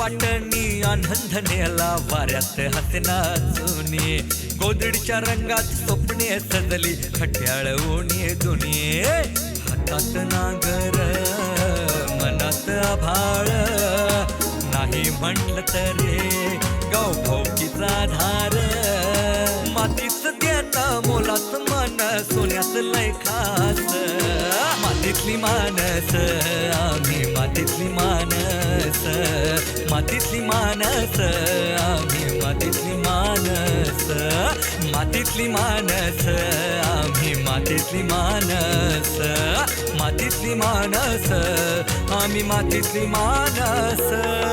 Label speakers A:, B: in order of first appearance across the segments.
A: वाटणी आनंद नेला वाऱ्यात हसना चुनी गोदडीच्या रंगात स्वप्ने सजली खट्याळ ओणी दुनी हातात नागर मनात आभाळ नाही म्हटलं तरी गाव भोवतीचा धार मातीच देता मोलाच मन सोन्याच लय खास मातीतली मानस आम्ही मातीतली मानस मातीतली मानस आम्ही मातीतली मानस मातीतली मानस आम्ही मातीतली मानस मातीतली मानस आम्ही मातीतली मानस.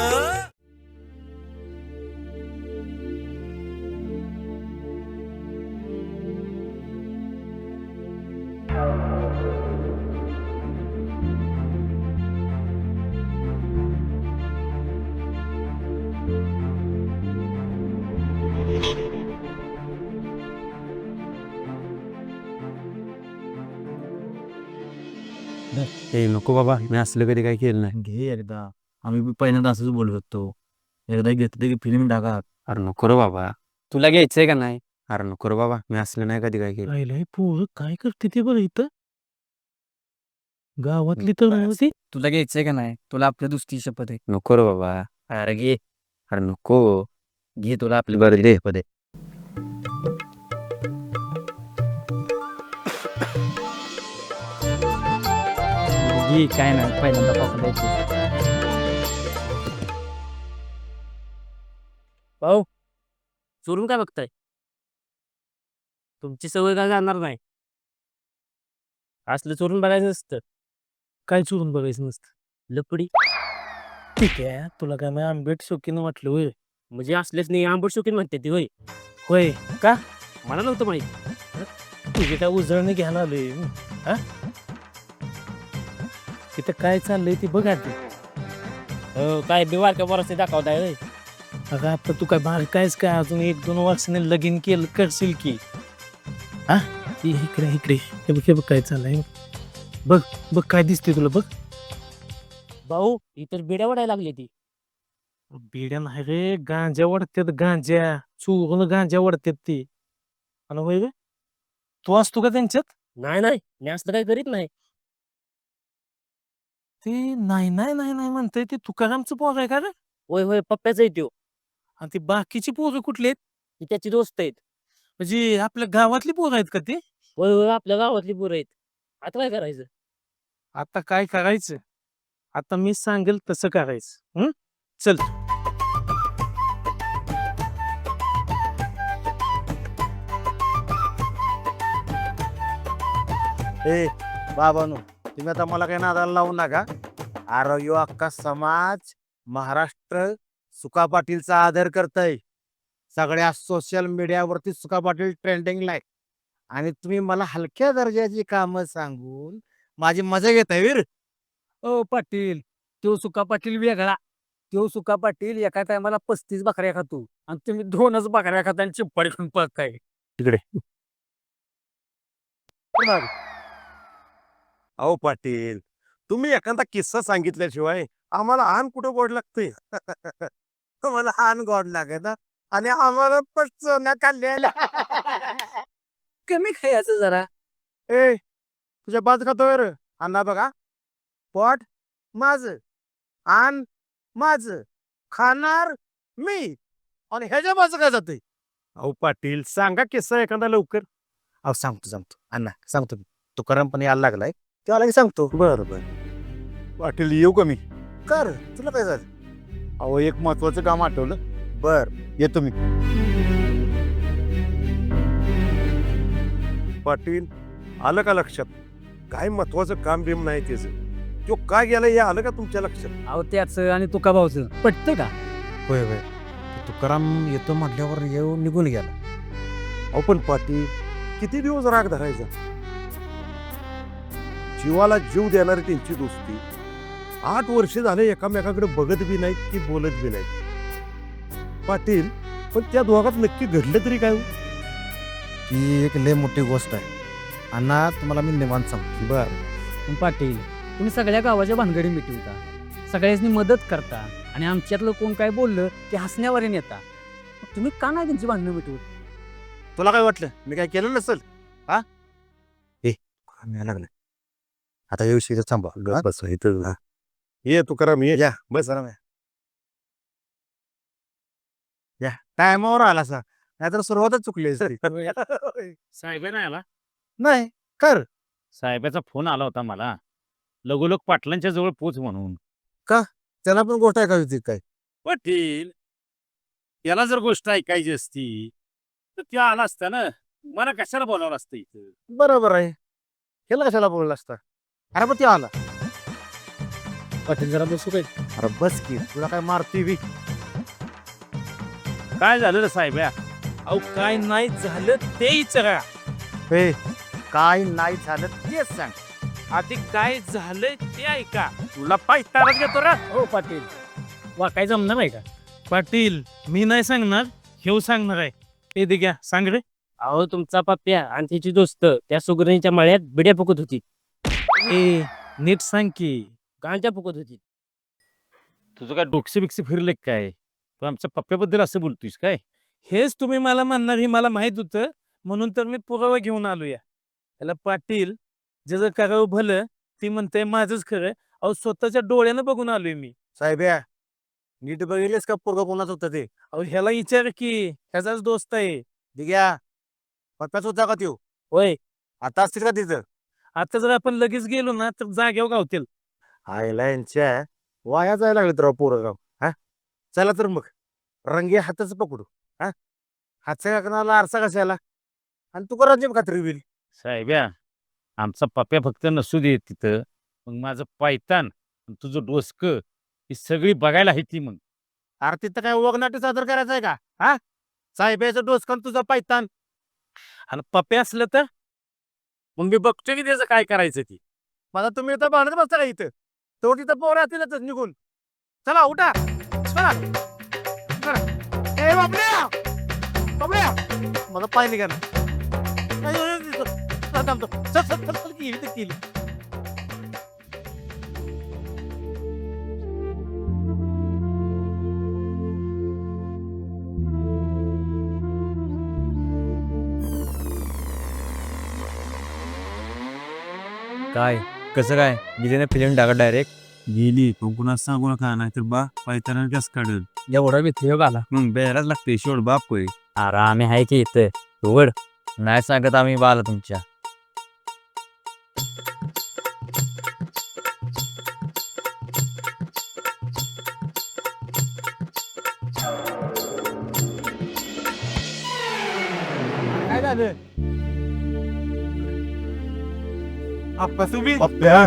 B: हे नको बाबा, मी असलं कधी काही केलं नाही.
C: घे एकदा, आम्ही बी पहिल्यांदा असंच बोलत होतो. एकदा घेतलं की फिल्म टाका.
B: अरे नको रे बाबा, तुला घ्यायचंय का नाही? अरे नको रे बाबा, मी असलं नाही कधी काय केलं.
C: राहिलंय पोरं काय करते ते बरं इथं गावातली तर नव्हती.
D: तुला घ्यायचंय का नाही? तुला आपल्या दुसरी शपथ आहे.
B: नको रे बाबा,
C: अरे घे
B: अरे नको
C: घे तुला आपली बरं दे पदे.
D: घे, काय नाही, पहिल्यांदा पापड द्यायची. भाऊ, चोरून काय बघताय? तुमची सवय काय जाणार नाही. असलं चोरून बघायचं नसतं.
C: काय चोरून बघायचं नसतं.
D: लपडी
C: ठीक आहे, तुला काय मी आंबेट शोकीनं वाटलं होय.
D: म्हणजे असलेच नाही, आंबट शोकीन म्हणते ती होय.
C: होय का
D: मला नव्हतं माहित.
C: तुझे काय उजळणी घ्यायला आले हा तिथं काय चाललंय ते बघ आधी.
D: हो, काय बिवारक्या बरं दाखवताय होय.
C: अगं आता तू काय बाहेर कायच काय अजून 1-2 वर्षाने लगीन केलं करशील की हा इकडे इकडे हे बघ काय चाललंय. बघ बघ काय दिसते तुला बघ.
D: भाऊ, इतर बिड्या वडायला लागली ती.
C: बिड्या नाही रे, गांजा वाढतात गांजा, चोरून गांजा वाढतात ती. आणि होय रे, तू असतो का त्यांच्यात?
D: नाही नाही, मी असलं काही करीत नाही.
C: ते नाही नाही नाही नाही म्हणतंय ते तुकारामचं पोर आहे का रे?
D: होय होय, पप्प्याचा आहे त्यो.
C: आणि ती बाकीची पोरं कुठली आहेत?
D: ती त्याची दोस्त आहेत.
C: म्हणजे आपल्या गावातली पोरं आहेत का ते?
D: होय होय, आपल्या गावातली पोरं आहेत. आता काय करायचं?
C: आता काय करायचं? आता मी सांगेल तसं करायचं. चल.
E: ए बाबानो, तुम्ही आता मला काही नादाला लावू नका. अरे यो अख्खा समाज महाराष्ट्र सुका पाटीलचा आदर करतय. सगळ्या सोशल मीडियावरती सुका पाटील ट्रेंडिंगला आहे. आणि तुम्ही मला हलक्या दर्जाची कामं सांगून माझी मजा घेताय वीर.
D: ओ पाटील, तो सुका पाटील वेगळा. तो सुका पाटील एका टायमाला 35 बकऱ्या खातो आणि तुम्ही 2च बकऱ्या खाता आणि चिप्पाडी खाऊन पळताय.
B: तिकडे.
E: अहो पाटील, तुम्ही एखादा किस्सा सांगितल्याशिवाय आम्हाला आण कुठं गोड लागतंय. आम्हाला आण गोड लागत ना, आणि आम्हाला पचवण्या खाल्ल्या.
D: कमी खायचं जरा.
E: ए तुझ्या बाद खातोय रे अण्णा. बघा, पोट माझ, आण माझ, खाणार मी, आणि ह्याच्या माझं काय जातंय. अहो पाटील, सांगा किस्सा एखादा लवकर. अहो सांगतो अण्णा, सांगतो मी. तुकाराम पण यायला लागलाय, तेव्हा की सांगतो. बरं पाटील, येऊ का मी? कर, तुला काय झालं? अहो एक महत्वाचं काम आठवलं. बर, येतो मी. पाटील, आलं का लक्षात? काय महत्वाचं काम बिम नाही त्याचं. तो काय गेला हे आलं का तुमच्या लक्षात?
D: अहो त्याचं आणि तुका भाऊचं पटतं का?
E: होय होय, तुकाराम येतो म्हटल्यावर येऊन निघून गेला. अहो पण पाटील, किती दिवस राग धरायचा? जीवाला जीव देणारी त्यांची दोस्ती. 8 वर्ष झाले एकामेकाकडे बघत बी नाहीत की बोलत बी नाहीत. पाटील, पण त्या दोघात नक्की घडलं तरी काय? ही एक लय मोठी गोष्ट आहे अण्णा, तुम्हाला मी निवांत सांगतो. बर
D: पण पाटील, तुम्ही सगळ्या गावाच्या भानगडी मिटवता, सगळ्यांनी मदत करता आणि आमच्यातलं कोण काय बोललं की हसण्यावर नेता. मग तुम्ही का नाही त्यांची भांडणं मिटवत?
E: तुला काय वाटलं मी काय केलं नसल? हा ए लागलं आता येऊ शकत थांबा बस इथं ये तू करा मी या बस या टायमावर आला सा नाहीतर सुरुवातच चुकली सर
C: साहेब नाही आला.
E: नाही कर
C: साहेबाचा फोन आला होता मला, लगोलग पाटलांच्या जवळ पोच म्हणून.
E: त्याला पण गोष्ट ऐकावी होती काय?
C: पाटील, याला जर गोष्ट ऐकायची असती तर त्या आला असता ना, मला कशाला बोलावलं असतं इथं.
E: बरोबर आहे ह्याला कशाला बोलला असता? अरे पण ते आला.
C: पाटील जरा बसू काय?
E: अरे बस की तुला काय मारती बी?
C: काय झालं रे साहेब?
D: अहो काय नाही झालं ते विचारा.
E: हे काय नाही झालं तेच सांग.
D: आधी काय झालंय ते ऐका. तुला पायतारात घेतो रा. हो पाटील, वा काय जमणार आहे का?
C: पाटील मी नाही सांगणार, हेव सांगणार आहे. ते दे घ्या, सांग रे.
F: अहो तुमचा पप्प्या आणि तिची दोस्त त्या सुगरणीच्या मळ्यात बिड्या फुकत होती.
C: ए नीट सांग की,
F: गांजा फुकत होती.
C: तुझं काय डोकसे बिकसे फिरले काय? तू आमच्या पप्प्याबद्दल असं बोलतोयस काय? हेच तुम्ही मला म्हणणार हे मला माहित होतं, म्हणून तर मी पुरावा घेऊन आलो. याला पाटील ज्याचं करावं भलं ती म्हणते माझंच खरं. अहो स्वतःच्या डोळ्यानं बघून आलोय मी.
E: साहेब या नीट बघितलेस का पोरगा कोणाच होतं ते?
C: अहो ह्याला विचार की, ह्याचाच दोस्त आहे.
E: दिग्या पप्प्याच होता का त्यो?
F: होय,
E: आता असतील का तिथं?
C: आता जर आपण लगेच गेलो ना तर जाग्यावर गावतील.
E: आईला यांच्या वाया जायला लागले तर पोरगाव. हा चला तर मग रंगे हातच पकडू. हा हातच्या काकणाला आरसा कशाला आणि तू करायची खात्री होईल.
C: साहेब्या, आमचा पप्प्या फक्त नसू दे तिथं, मग माझं पायतान आणि तुझं डोसकं ही सगळी बघायला आहे ती. मग
E: अरे तिथं काय वगनाट्य सादर करायचं आहे का? हा साहेबाचं डोसकन तुझं पायतान
C: आणि पप्प्या असलं तर
E: मग मी बघतो की त्याचं काय करायचं ती. मला तुम्ही इथं भांडत बसता का इथं? तो तिथं पोरं असतीलच निघून. चला उठा चला चला. ए बाबल्या बाबल्या मला पाय निघा ना. केली
B: काय कसं काय गेली ना फिल्म टाका डायरेक्ट?
G: गेली पण कुणा सांगू नका नाहीतर बा पायताना कस काढल.
F: एवढा भीती आला.
G: मग बेराच लागते शेवट बाप होय.
F: अरे आम्ही आहे की इथं उघड.
B: नाही सांगत आम्ही बाला तुमच्या.
E: काय झालं?
C: आप्पा तुम्ही
E: पप्प्या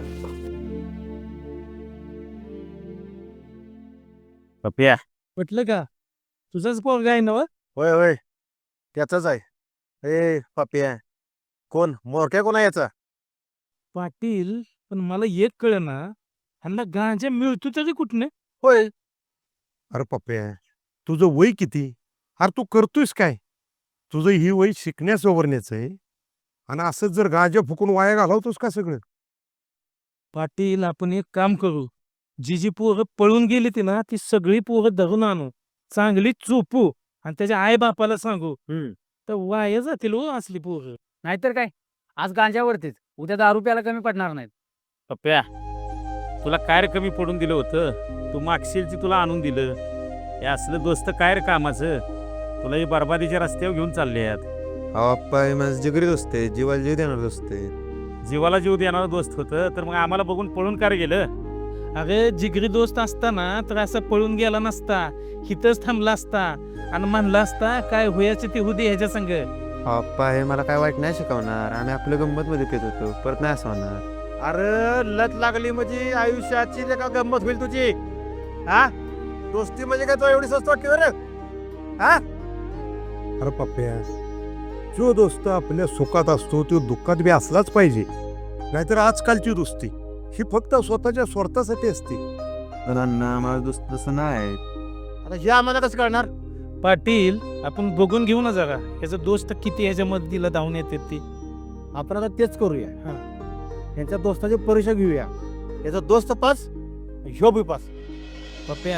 C: पप्प्या म्हटलं का तुझाच पोरगा आहे ना?
E: होय होय त्याचाच आहे. ए पप्प्या कोण मोरक्या कोण आहे याचा?
C: पाटील पण मला एक कळ ना, ह्यांना गांजा मिळतो तरी कुठने?
E: होय. अरे पप्प्या तुझं वय किती? अरे तू करतोयस काय? तुझं ही वय शिकण्यास वरण्याचं आहे आणि असंच जर गांजा फुकून वाया घालवतोस का सगळं?
C: पाटील आपण एक काम करू, जी जी पोरं पळून गेली ती ना ती सगळी पोरं धरून आणू, चांगली चोपू आणि त्याच्या आई बापाला सांगू. तर वाया जातील हो असली पोरं.
D: नाहीतर काय, आज गांजावरतीच, उद्या दारू प्यायला कमी पडणार नाहीत.
C: पप्प्या तुला काय रे कमी पडून दिलं होतं? तू मागशील ती तुला आणून दिलं. हे असलं दोस्त काय रे कामाचं? तुला ही बरबादीच्या रस्त्यावर घेऊन चालले आहेत.
B: अप्पा माझं जिगरी दोस्त आहे, जीवाला जीव देणार दोस्त आहे.
C: जीवाला जीव देणारं दोस्त होतं तर मग आम्हाला बघून पळून का रे गेलं? अरे जिगरी दोस्त असताना तर असं पळून गेला नसता, हिथंच थांबला असता आणि म्हणला असता काय होयाचं ते होऊ दे ह्याच्या संग.
B: अप्पा हे मला काय वाईट नाही शिकवणार. आम्ही आपल्या गंमत मध्ये पेत होतो, परत नाही असं होणार.
E: अरे लत लागली म्हणजे आयुष्याची का गंमत होईल तुझी. हा दोस्ती म्हणजे काय तो एवढी स्वस्त वाटते बरं? हा अरे पप्प्या जो दोस्त आपल्या सुखात असतो तो दुःखात बी असलाच पाहिजे. नाहीतर आजकालची दोस्ती ही फक्त स्वतःच्या स्वार्थासाठी असते.
B: माझा दोस्त तसं नाही.
E: आता हे आम्हाला कसं कळणार?
C: पाटील आपण बघून घेऊ ना जरा ह्याचा दोस्त किती ह्याच्या मदतीला धावून येते ती.
E: आपण आता तेच करूया. यांच्या दोस्ताची परीक्षा घेऊया. याचा दोस्त पास ह्यो बी पास.
C: पप्प्या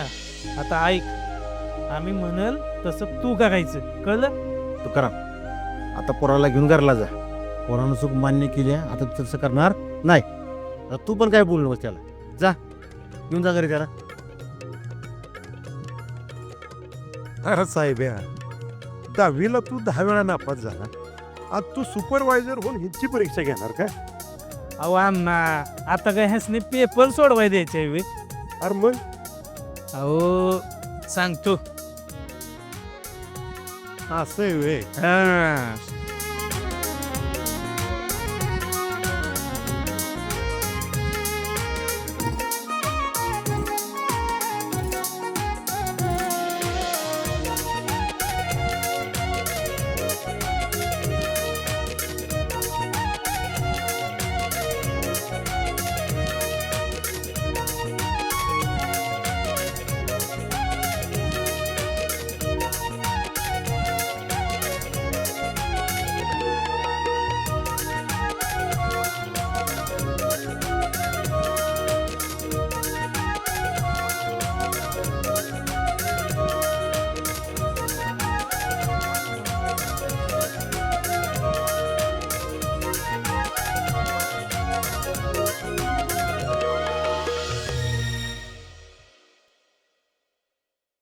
C: आता ऐक, आम्ही म्हणल तसं तू करायचं, कळलं?
E: तू करा आता पोराला घेऊन घरला जा. पोरानं चूक मान्य केली आहे, आता तू तसं करणार नाही. आता तू पण काय बोलू नकोस त्याला. जा घेऊन जा घरी त्याला.
H: अरे साहेब या 10वीला तू 10 वेळा नापास झाला, आज तू सुपरवायझर होऊन हिंची परीक्षा घेणार का?
C: अहो अण्णा, आता काय ह्यासने पेपर सोडवाय द्यायचे वे.
H: अरे मग
C: अहो सांगतो.
H: असं आहे व्हय.
C: हा